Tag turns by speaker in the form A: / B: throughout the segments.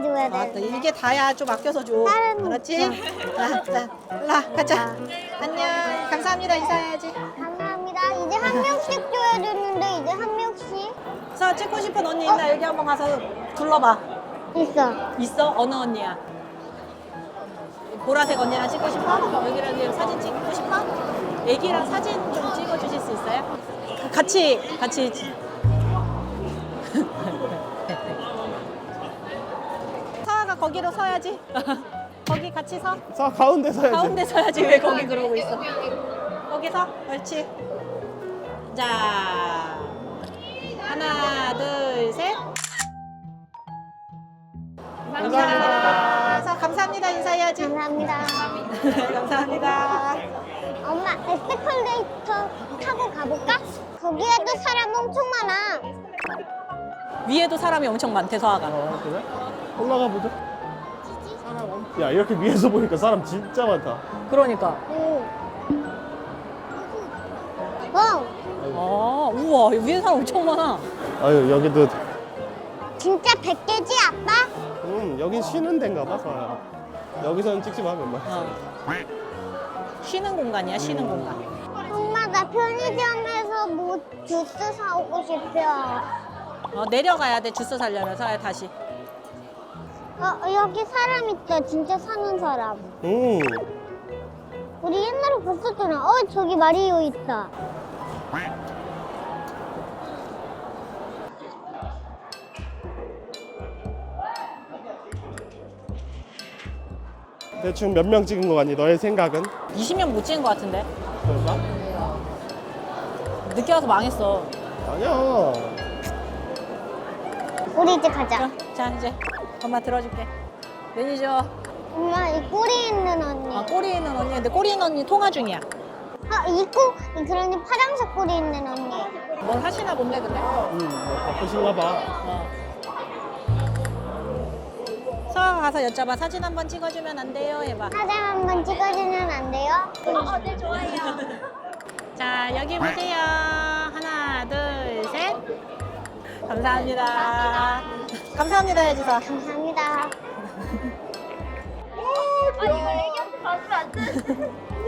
A: 줘야 돼.
B: 맞다. 이게 다야. 좀 아껴서 줘.
A: 다른
B: 알았지? 자, 일라 가자. 안녕. 감사합니다. 인사해야지.
A: 감사합니다. 이제 한 명씩 줘야 되는데 이제 한 명씩
B: 서 찍고 싶은 언니 있나? 여기 한번 가서 둘러봐.
A: 있어.
B: 있어? 어느 언니야? 보라색 언니랑 찍고 싶어? 여기랑 사진 찍고 싶어? 애기랑 사진 좀 찍어주실 수 있어요? 같이 서아가 거기로 서야지. 거기 같이 서.
C: 자, 가운데 서야지.
B: 가운데 서야지. 왜 거기 그러고 있어? 거기 서. 옳지. 자, 하나, 둘, 셋. 감사합니다. 감사합니다. 인사해야지.
A: 감사합니다.
B: 감사합니다.
A: 엄마 에스컬레이터 타고 가볼까? 거기에도 사람 엄청 많아.
B: 위에도 사람이 엄청 많대, 서아가.
C: 그래? 올라가 보자. 야, 이렇게 위에서 보니까 사람 진짜 많다.
B: 그러니까.
A: 응. 어,
B: 우와, 위에 사람 엄청 많아.
C: 아유, 여기도
A: 진짜 100개지 아빠?
C: 여긴 쉬는 데인가 봐, 서야. 여기서는 찍지 마, 그만.
B: 쉬는 공간이야, 쉬는 공간.
A: 엄마 나 편의점에서 뭐 주스 사오고 싶어.
B: 내려가야 돼, 주스 사려면. 서야 다시.
A: 여기 사람 있다. 진짜 사는 사람. 우리 옛날에 봤었잖아. 저기 마리오 있다.
C: 대충 몇 명 찍은 거 같니? 너의 생각은?
B: 20명 못 찍은 것 같은데.
C: 그런가?
B: 늦게 와서 망했어.
C: 아니야.
A: 우리 이제 가자.
B: 자, 이제 엄마 들어줄게. 매니저.
A: 엄마 이 꼬리 있는 언니.
B: 꼬리 있는 언니. 근데 꼬리 있는 언니 통화 중이야.
A: 그러니 파란색 꼬리 있는 언니.
B: 뭘 하시나 본데, 근데?
C: 뭐 바쁘신가 봐.
B: 서아가 가서 여쭤봐. 사진 한번 찍어주면 안 돼요? 해봐.
A: 사진 한번 찍어주면 안 돼요?
B: 네, 좋아요. 자, 여기 보세요. 하나, 둘, 셋. 감사합니다. 감사합니다, 해주서.
A: 감사합니다.
D: 이거 애기한테 받으면 안 돼.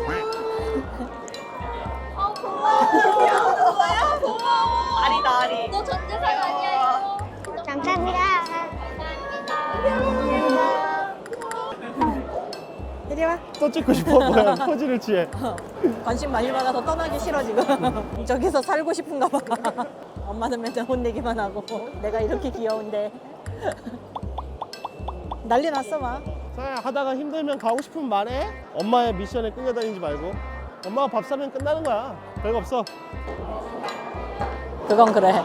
D: 고마워. 고마워. 아리다, 아리. 너 전재산 아니야, 이거.
A: 감사합니다.
B: 이리 와.
C: 또 찍고 싶어? 뭐야, 포즈를 취해.
B: 관심 많이 받아서 떠나기 싫어, 지금. 저기서 살고 싶은가 봐. 엄마는 맨날 혼내기만 하고. 내가 이렇게 귀여운데. 난리 났어, 막.
C: 서야, 하다가 힘들면 가고 싶으면 말해. 엄마의 미션에 끌려다니지 말고. 엄마가 밥 사면 끝나는 거야. 별거 없어.
B: 그건 그래.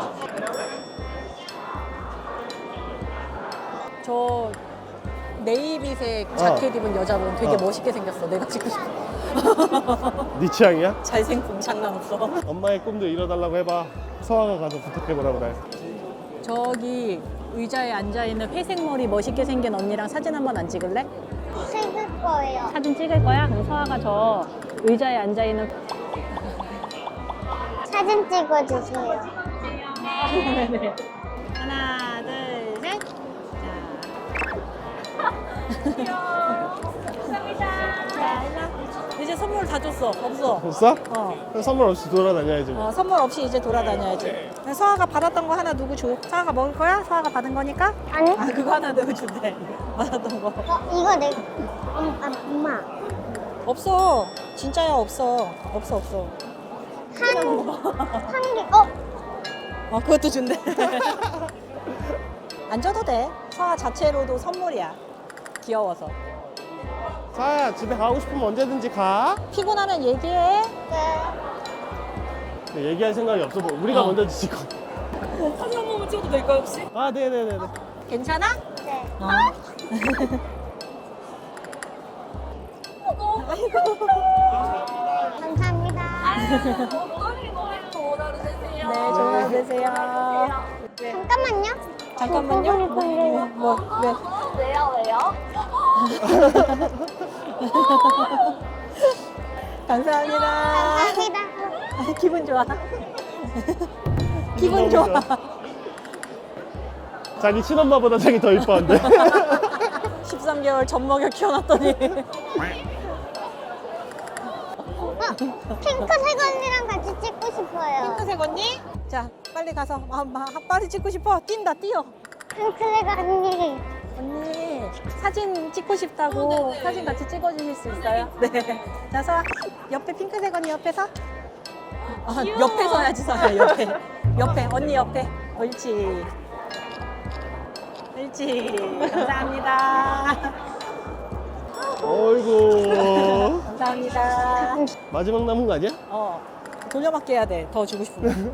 B: 저 네이비색 자켓 입은 여자분 되게 멋있게 생겼어. 내가 찍고 싶어.
C: 네 취향이야?
B: 잘생김 장난 없어.
C: 엄마의 꿈도 이뤄달라고 해봐. 서아가 가서 부탁해보라 그래.
B: 저기 의자에 앉아있는 회색 머리 멋있게 생긴 언니랑 사진 한번 안 찍을래?
A: 찍을 거예요.
B: 사진 찍을 거야? 그럼 서아가 저 의자에 앉아있는
A: 사진 찍어주세요.
B: 네네. 하나, 둘, 셋. 자, 일로. 이제 선물 다 줬어. 없어.
C: 없어?
B: 어.
C: 선물 없이 돌아다녀야지. 뭐.
B: 선물 없이 이제 돌아다녀야지. 서아가 받았던 거 하나 누구 줘? 서아가 먹을 거야? 서아가 받은 거니까?
A: 아니?
B: 그거 하나 누구 준대. 받았던 거.
A: 이거 엄마.
B: 없어. 진짜야, 없어. 없어.
A: 한 개.
B: 그것도 준대. 안 줘도 돼. 서아 자체로도 선물이야. 귀여워서.
C: 서아야, 집에 가고 싶으면 언제든지 가.
B: 피곤하면 얘기해.
A: 네.
C: 근데 얘기할 생각이 없어. 뭐 우리가 먼저 찍어.
B: 사진 한 번만 찍어도 될까요, 혹시?
C: 아, 네네네네.
B: 괜찮아?
A: 네. 감사합니다.
B: 네, 좋은 하루 되세요.
A: 잠깐만요.
B: 잠깐만요. 뭐, 왜?
D: 왜요?
B: 감사합니다.
A: 감사합니다.
B: 기분 좋아. 기분 좋아.
C: 자기 친엄마보다 자기 더 이뻐한데.
B: 13개월 젖 먹여 키워놨더니
A: 핑크색 언니랑 같이 찍고 싶어요.
B: 핑크색 언니? 자 빨리 가서 빨리 찍고 싶어. 뛴다 뛰어.
A: 핑크색 언니.
B: 언니 사진 찍고 싶다고 사진 같이 찍어주실 수 있어요? 네. 자 서아 옆에 핑크색 언니 옆에 서. 옆에 서야지 서야 옆에. 옆에 언니 옆에. 옳지. 옳지. 감사합니다.
C: 어이구.
B: 감사합니다.
C: 마지막 남은 거 아니야?
B: 돌려막기 해야 돼. 더 주고 싶으면.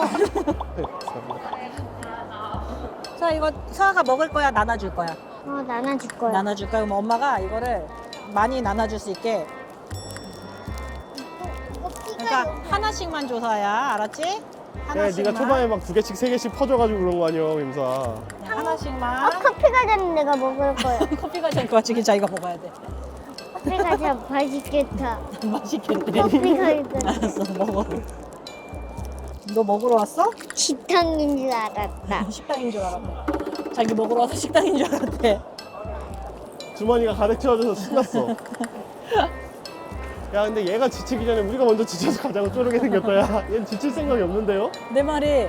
B: 자 이거 서아가 먹을 거야 나눠줄 거야?
A: 나눠줄 거야.
B: 나눠줄 거야. 그럼 엄마가 이거를 많이 나눠줄 수 있게 그러니까 하나씩만 줘 서아야. 알았지?
C: 야,
B: 하나씩만.
C: 네가 초반에 막 2개씩 3개씩 퍼줘가지고 그런 거 아니야, 김사.
B: 그냥 하나씩만.
A: 커피가 되는 내가 먹을 거야.
B: 커피가 될 것 같지? 자기가 먹어야 돼.
A: 커피가 참 맛있겠다.
B: 맛있겠네.
A: 커피가 있어.
B: 알았어 먹어. 너 먹으러 왔어?
A: 식당인 줄 알았다.
B: 식당인 줄 알았대. 자기 먹으러 와서 식당인 줄 알았대.
C: 주머니가 가득 채워져서 신났어. 야, 근데 얘가 지치기 전에 우리가 먼저 지쳐서 가자고 쪼르게 생겼다. 야, 얘는 지칠 생각이 없는데요?
B: 내 말이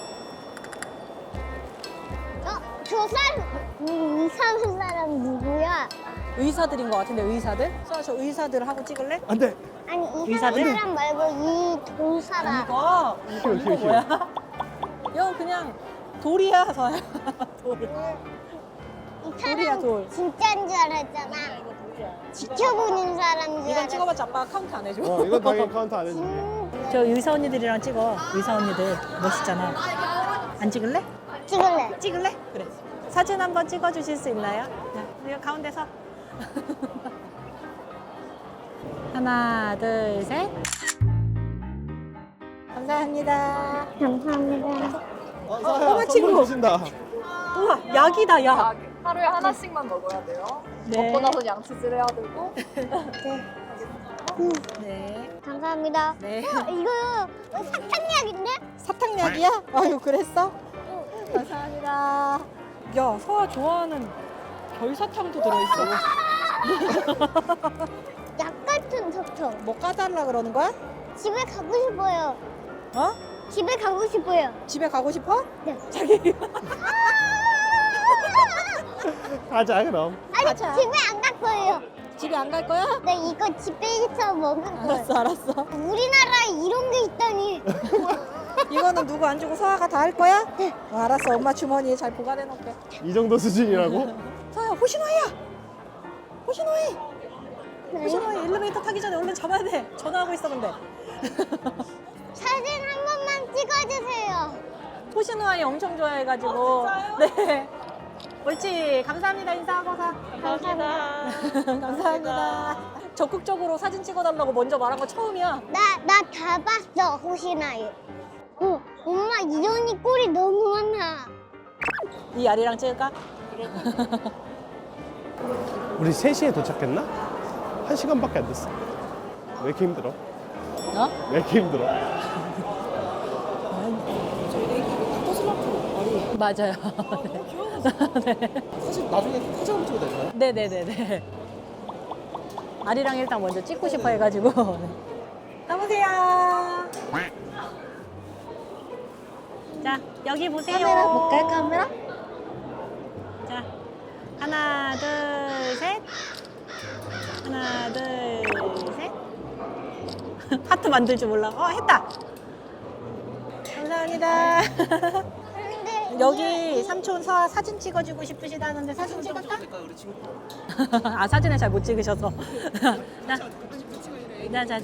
A: 저 사람, 이상한 사람 누구야?
B: 의사들인 것 같은데 의사들? 서아 저 의사들 하고 찍을래?
C: 안 돼.
A: 아니, 이상한
B: 의사들?
A: 사람 말고 이 돈 사람.
B: 이거 뭐야? 이거 그냥 돌이야 서야. 돌.
A: 이
B: 돌이야,
A: 사람
B: 돌.
A: 진짜인 줄 알았잖아. 지켜보는 사람인 줄
B: 이건
A: 알았어.
B: 찍어봤자 아빠가 카운트 안 해줘.
C: 이건 당연히 카운트 안 해주지.
B: 저 의사 언니들이랑 찍어. 의사 언니들 멋있잖아. 안 찍을래?
A: 찍을래.
B: 찍을래? 그래. 사진 한번 찍어주실 수 있나요? 자, 여기 가운데서. 하나, 둘, 셋. 감사합니다.
A: 감사합니다.
B: 엄마 친구.
C: 주신다.
B: 우와, 약이다, 약.
D: 하루에 하나씩만 먹어야 돼요.
B: 네.
D: 먹고 나서 양치질 해야 되고.
B: 네.
A: 감사합니다.
B: 네.
A: 이거 사탕약인데?
B: 사탕약이야? 아유, 그랬어? 감사합니다. 야, 서아 좋아하는 별사탕도 들어있어.
A: 약 같은 사탕.
B: 뭐 까달라 그러는 거야?
A: 집에 가고 싶어요.
B: 어?
A: 집에 가고 싶어요.
B: 집에 가고 싶어?
A: 네.
B: 자기.
C: 가자, 그럼.
A: 아니,
B: 가자.
A: 집에 안 갈 거예요.
B: 집에 안 갈 거야?
A: 나 이거 집에서 먹을 거예요.
B: 알았어, 알았어.
A: 우리나라에 이런 게 있다니.
B: 이거는 누구 안 주고 서아가 다 할 거야? 네. 알았어, 엄마 주머니에 잘 보관해 놓을게.
C: 이 정도 수준이라고?
B: 서아야, 호시노이야! 호시노이! 호시노이 엘리베이터 타기 전에 얼른 잡아야 돼. 전화하고 있어, 근데.
A: 사진 한 번만 찍어주세요.
B: 호시노이 엄청 좋아해가지고. 네. 옳지. 감사합니다. 인사하고 가.
A: 감사합니다.
B: 감사합니다. 적극적으로 사진 찍어달라고 먼저 말한 거 처음이야.
A: 나 다 봤어, 호시나이. 엄마 이현이 꼴이 너무 많아.
B: 이 아리랑 찍을까?
C: 우리 3시에 도착했나? 1시간밖에 안 됐어. 왜 이렇게 힘들어?
B: 어?
C: 왜 이렇게 힘들어?
B: 맞아요.
C: 사실 나중에 사진 찍어도 되나요?
B: 네네네네. 아리랑 일단 먼저 찍고 싶어 해가지고. 가보세요. 자, 여기 보세요.
A: 카메라 볼까요, 카메라?
B: 자, 하나, 둘, 셋. 하나, 둘, 셋. 하트 만들 줄 몰라. 했다. 감사합니다. 여기 삼촌 서아 사진 찍어주고 싶으시다는데 사진 찍을까? 아, 사진을 잘 못 찍으셔서. 자.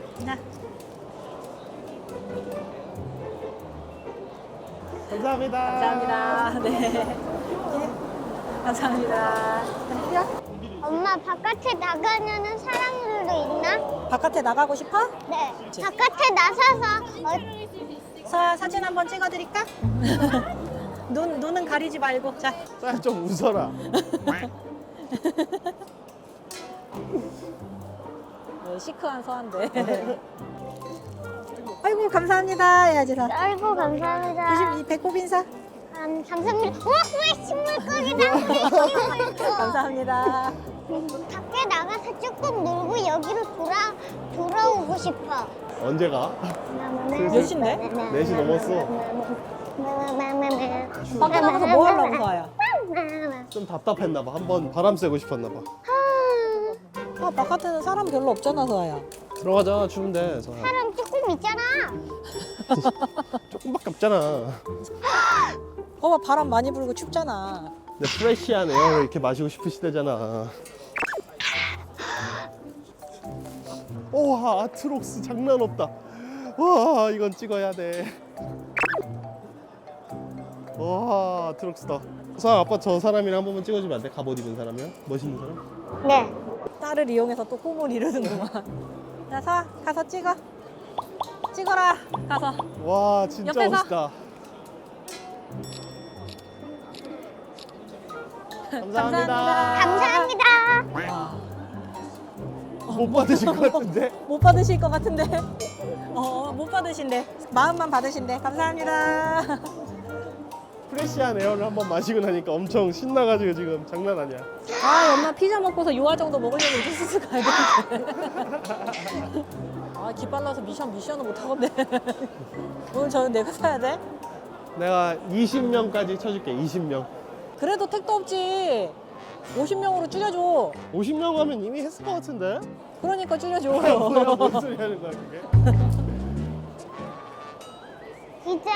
C: 감사합니다.
B: 감사합니다. 네. 감사합니다.
A: 엄마 바깥에 나가면은 사람들도 있나?
B: 바깥에 나가고 싶어?
A: 네. 바깥에 나서서
B: 서아 사진 한번 찍어드릴까? 눈은 가리지 말고. 자.
C: 좀 웃어라.
B: 네, 시크한 서한데. 아이고 감사합니다 해야지 다.
A: 아이고 감사합니다.
B: 조심 이 배꼽 인사.
A: 감사합니다. 우와, 후레쉬 물고기다. 후레쉬 물고기.
B: 감사합니다.
A: 밖에 나가서 조금 놀고 여기로 돌아오고 싶어.
C: 언제 가?
B: 몇 시인데?
C: 4시 넘었어.
B: 밖에 나가서 뭐 하려고 서아야?
C: 좀 답답했나 봐. 한번 바람 쐬고 싶었나 봐.
B: 아, 바깥에는 사람 별로 없잖아, 서아야.
C: 들어가자. 추운데. 서
A: 사람 조금 있잖아.
C: 조금밖에 없잖아.
B: 봐봐, 바람 많이 불고 춥잖아.
C: 근데 프레시한 에어를 이렇게 마시고 싶으시대잖아. 와, 아트록스 장난 없다. 와, 이건 찍어야 돼. 와, 아트록스다. 아빠 저 사람이랑 한 번만 찍어주면 안 돼? 갑옷 입은 사람이요? 멋있는 사람?
A: 네.
B: 딸을 이용해서 또 꿈을 이루는구만. 자, 서아, 가서 찍어. 찍어라, 가서.
C: 와, 진짜
B: 옆에서.
C: 멋있다. 감사합니다.
A: 감사합니다.
C: 못 받으실 것 같은데?
B: 못 받으실 것 같은데. 못 받으신대. 마음만 받으신대. 감사합니다.
C: 프레시한 에어를 한번 마시고 나니까 엄청 신나가지고 지금 장난 아니야.
B: 아, 엄마 피자 먹고서 요아 정도 먹으려면 이제 스스 가야 되는데. 아, 기빨라서 미션을 못 하겠네. 오늘 저는 내가 사야 돼?
C: 내가 20명까지 쳐줄게. 20명.
B: 그래도 택도 없지. 50명으로 줄여줘.
C: 50명 하면 이미 했을 것 같은데?
B: 그러니까 줄여줘.
C: 뭐야, 뭔 소리 하는 거야 그게?
A: 이제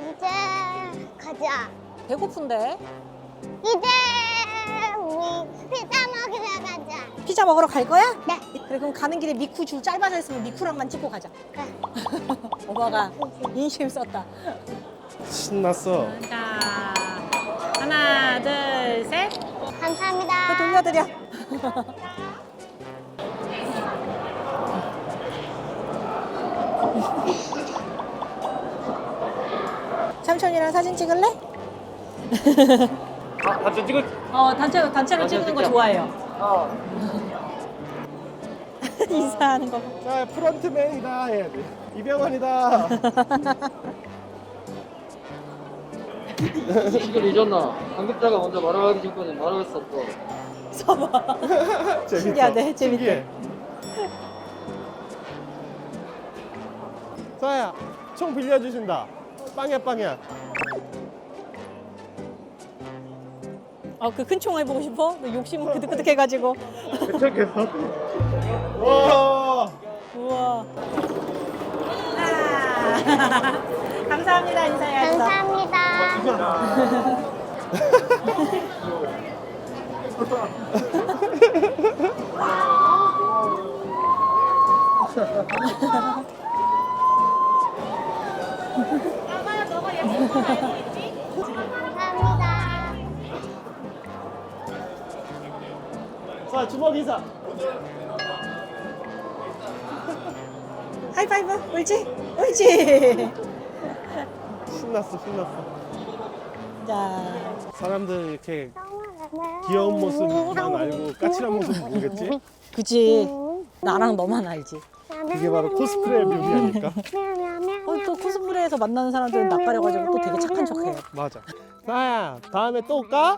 A: 가자.
B: 배고픈데?
A: 이제 우리 피자 먹으러 가자.
B: 피자 먹으러 갈 거야?
A: 네.
B: 그래, 그럼 가는 길에 미쿠 줄 짧아져 있으면 미쿠랑만 찍고 가자.
A: 네.
B: 오빠가 인심 썼다.
C: 신났어.
B: 자, 하나, 둘, 셋.
A: 감사합니다.
B: 돌려드려. 삼촌이랑 사진 찍을래?
C: 같이 찍을.
B: 단체로 찍는 거 좋아해요. 인사하는 거.
C: 자, 프런트맨이다 해야 돼. 이병헌이다.
E: 시식을 잊었나? 관급자가 먼저 말하기 전까지 말할 수 없어.
B: 서봐.
C: 재밌다.
B: 신기하네, 재밌대.
C: 신기해. 서아야, 총 빌려주신다. 빵야.
B: 그 큰 총 해보고 싶어? 너 욕심은 그득그득해가지고.
C: 괜찮겠어? 와.
B: 우와. 감사합니다, 인사해야죠.
A: 감사합니다. 감사합니다.
C: 자, 주먹 인사.
B: 하이파이브, 옳지.
C: 신났어.
B: 자,
C: 사람들 이렇게 귀여운 모습만 알고 까칠한 모습 모르겠지?
B: 그치. 나랑 너만 알지.
C: 그게 바로 코스프레 묘미 아닐까?
B: 또 코스프레에서 만나는 사람들은 낯가려가지고 또 되게 착한 척해.
C: 맞아. 사야, 다음에 또 올까?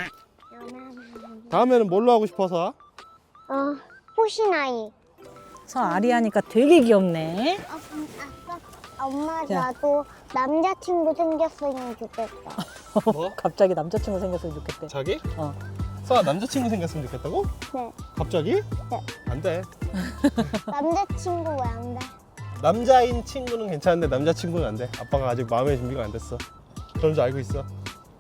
C: 다음에는 뭘로 하고 싶어서?
A: 호시나이.
B: 서 아리하니까 되게 귀엽네.
A: 엄마
B: 자.
A: 나도 남자친구 생겼으면 좋겠다.
C: 뭐?
B: 갑자기 남자친구 생겼으면 좋겠대.
C: 자기?
B: 어.
C: 서아 남자친구 생겼으면 좋겠다고?
A: 네.
C: 갑자기?
A: 네.
C: 안 돼.
A: 남자친구 왜 안 돼?
C: 남자인 친구는 괜찮은데 남자친구는 안 돼. 아빠가 아직 마음의 준비가 안 됐어. 그런 줄 알고 있어.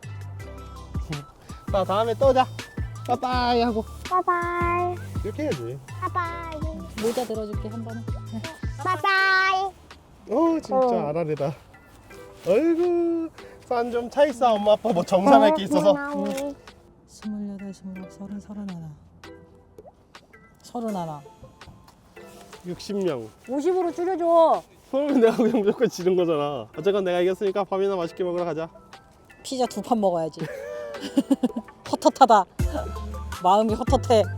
C: 나 다음에 또 자. 빠빠이 하고
A: 바이바이.
C: 이렇게 해야지.
A: 바이바이.
B: 모자 들어줄게 한 번에.
A: 바이바이.
C: 진짜 아라레다. 어이구. 산 좀 차 있어. 엄마 아빠 뭐 정산할 게 있어서.
B: 28, 29, 30, 31.
C: 60명.
B: 50으로 줄여줘.
C: 그러면 내가 그냥 무조건 지는 거잖아. 어쨌건 내가 이겼으니까 밥이나 맛있게 먹으러 가자.
B: 피자 2판 먹어야지. 헛헛하다. 마음이 헛헛해.